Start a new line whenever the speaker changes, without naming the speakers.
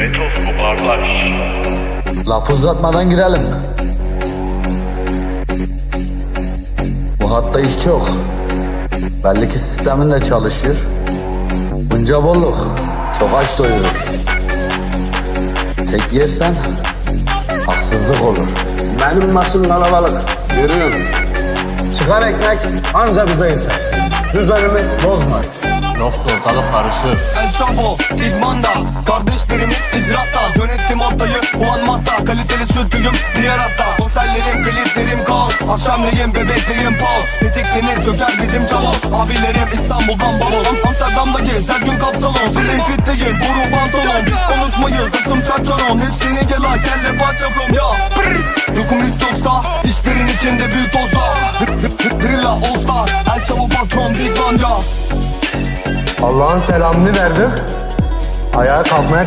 Metos bu kardeş.
Lafı uzatmadan girelim. Bu hatta iş çok. Belli ki sistemin de çalışıyor. Bunca bolluk çok aç doyurur. Tek yersen haksızlık olur.
Benim masum kalabalık, görüyorum. Çıkar ekmek anca bize yeter. Düzenimi bozma.
Yoksa ortalık karışır.
El Chavo, idmanda, kardeşlerimiz icraatta. Yönettim ortayı bu an mahta, kaliteli sürtüyüm diğer hatta. Konserlerim, kliplerim kaos, akşamleyin bebekleyin pal. Tetiklenir çöker bizim cavaz. Abilerim İstanbul'dan balon, Amsterdam'daki her gün kapsalon. Slim fitteyim, boru pantolon. Biz konuşmayız, ısım çarçaron. Hepsini gel ha, kelle parça from ya. Yokum risk yoksa, işlerin içinde büyük tozda. Drilla All Star, El Chavo patron Big Bang ya.
Allah'ın selamını verdik. Ayağa kalkmaya